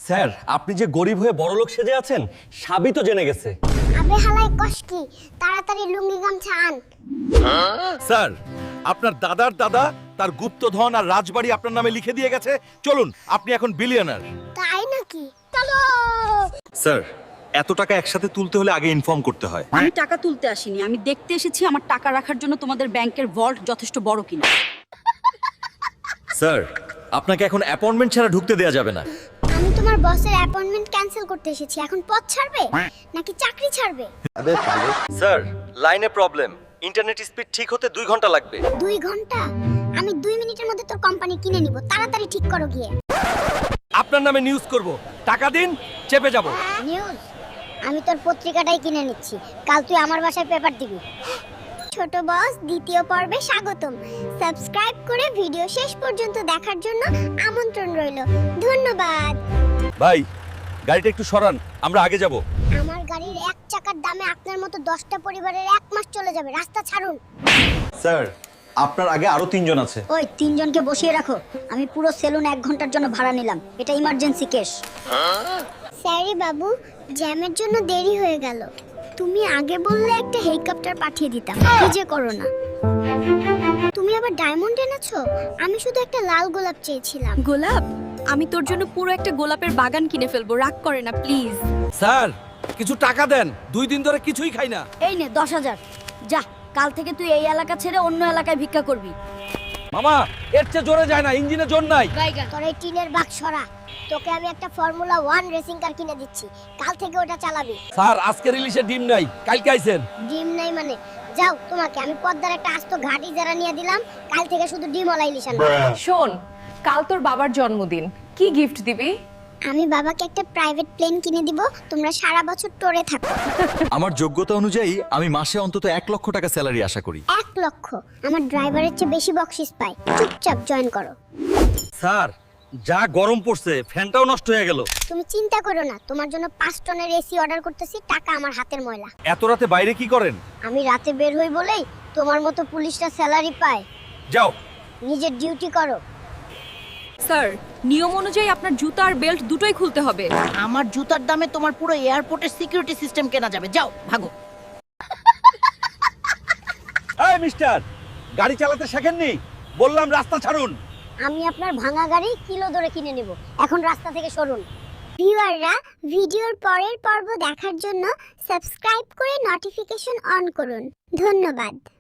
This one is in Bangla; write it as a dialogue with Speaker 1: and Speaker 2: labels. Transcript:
Speaker 1: স্যার, আপনি যে গরিব হয়ে বড়লোক সেজে আছেন সবই তো জেনে গেছে।
Speaker 2: আবে হালাই কষ্টি, তাড়াতাড়ি লুঙ্গি গামছা আন।
Speaker 3: স্যার, আপনার দাদার দাদা তার গুপ্তধন আর রাজবাড়ি আপনার নামে লিখে দিয়ে গেছে। চলুন, আপনি এখন বিলিয়নার।
Speaker 2: তাই নাকি? চলো।
Speaker 3: স্যার, এত টাকা একসাথে তুলতে হলে আগে ইনফর্ম করতে হয়।
Speaker 4: আমি টাকা তুলতে আসিনি, আমি দেখতে এসেছি আমার টাকা রাখার জন্য তোমাদের ব্যাংকের ভল্ট যথেষ্ট বড় কিনা।
Speaker 1: স্যার, আপনাকে এখন অ্যাপয়েন্টমেন্ট ছাড়া ঢুকতে দেয়া যাবে না।
Speaker 2: আমি তোমার বসের অ্যাপয়েন্টমেন্ট ক্যান্সেল করতে এসেছি। এখন পদ ছাড়বে নাকি চাকরি ছাড়বে?
Speaker 1: স্যার, লাইনে প্রবলেম, ইন্টারনেট স্পিড ঠিক হতে 2 ঘন্টা লাগবে।
Speaker 2: 2 ঘন্টা? আমি 2 মিনিটের মধ্যে তোর কোম্পানি কিনে নিব। তাড়াতাড়ি ঠিক করো গিয়ে।
Speaker 1: আপনার নামে নিউজ করব, টাকা দিন, চেপে যাব।
Speaker 2: নিউজ? আমি তোর পত্রিকাটাই কিনে নিচ্ছি, কাল তুই আমার বাসায় পেপার দিবি। ছোট বস দ্বিতীয় পর্বে স্বাগতম। সাবস্ক্রাইব করে ভিডিও শেষ পর্যন্ত দেখার জন্য আমন্ত্রণ রইল। ধন্যবাদ।
Speaker 3: ভাই, গাড়িটা একটু সরান, আমরা আগে যাব।
Speaker 2: আমার গাড়ির 1 চাকার দামে আপনার মতো 10টা পরিবারের 1 মাস চলে যাবে। রাস্তা ছাড়ুন।
Speaker 1: স্যার, আপনার আগে আরো 3 জন আছে।
Speaker 4: ওই 3 জনকে বসিয়ে রাখো। আমি পুরো সেলুন 1 ঘন্টার জন্য ভাড়া নিলাম। এটা ইমার্জেন্সি কেস।
Speaker 2: স্যারি বাবু, জ্যামের জন্য দেরি হয়ে গেল। তুমি আগে বললে একটা হেলিকপ্টার পাঠিয়ে দিতাম। কি যে করো না। তুমি আবার ডায়মন্ড এনেছো? আমি শুধু একটা লাল গোলাপ চেয়েছিলাম।
Speaker 5: গোলাপ? আমি তোর জন্য পুরো একটা গোলাপের বাগান কিনে ফেলবো, রাগ করে না প্লিজ।
Speaker 1: স্যার, কিছু টাকা দেন, 2 দিন ধরে কিছুই খাই না।
Speaker 4: এই নে 10,000। যা, কাল থেকে তুই এই এলাকা ছেড়ে অন্য এলাকায় ভিক্ষা করবি।
Speaker 1: মামা, এর চেয়ে জোরে যায় না, ইঞ্জিনে জোর নাই।
Speaker 2: তোর এই টিনের বাক্স সরা। তোকে আমি একটা ফর্মুলা 1 রেসিং কার কিনে দিচ্ছি, কাল থেকে ওটা চালাবি।
Speaker 1: স্যার, আজকে রিলিজে ডিম নাই, কালকে আইছেন।
Speaker 2: ডিম নাই মানে? যাও, তোমাকে আমি পদ্মার একটা আস্ত ঘাটি যারা নিয়ে দিলাম, কাল থেকে শুধু ডিম ওলা ইলিশ আনবে।
Speaker 5: শোন, কাল তোর বাবার জন্মদিন, কি গিফট দিবি?
Speaker 2: আমি বাবাকে একটা প্রাইভেট প্লেন কিনে দিব, তোমরা সারা বছর টোরে থাকো।
Speaker 3: আমার যোগ্যতা অনুযায়ী আমি মাসে অন্তত 1 লক্ষ টাকা স্যালারি আশা করি।
Speaker 2: 1 লক্ষ? আমার ড্রাইভারের চেয়ে বেশি বকশিস পাই। চুপচাপ জয়েন করো।
Speaker 1: স্যার, যা গরম পড়ছে, ফ্যানটাও নষ্ট হয়ে গেল।
Speaker 2: তুমি চিন্তা করো না, তোমার জন্য 5 টনের এসি অর্ডার করতেছি, টাকা আমার হাতের ময়লা।
Speaker 3: এত রাতে বাইরে কি করেন?
Speaker 2: আমি রাতে বের হই বলেই তোমার মতো পুলিশরা স্যালারি পায়।
Speaker 3: যাও।
Speaker 2: নিজের ডিউটি করো।
Speaker 5: স্যার, নিয়ম অনুযায়ী আপনার জুতা আর বেল্ট দুটোই খুলতে হবে।
Speaker 6: আমার জুতার দামে তোমার পুরো এয়ারপোর্টের সিকিউরিটি সিস্টেম কেনা যাবে। যাও, ভাগো।
Speaker 3: এই মিস্টার, গাড়ি চালাতে শেখেননি? বললাম রাস্তা ছাড়ুন।
Speaker 2: আমি আপনার ভাঙা গাড়ি কিলো ধরে কিনে নেব, এখন রাস্তা থেকে সরুন। ভিউয়াররা, ভিডিওর পরের পর্ব দেখার জন্য সাবস্ক্রাইব করে নোটিফিকেশন অন করুন। ধন্যবাদ।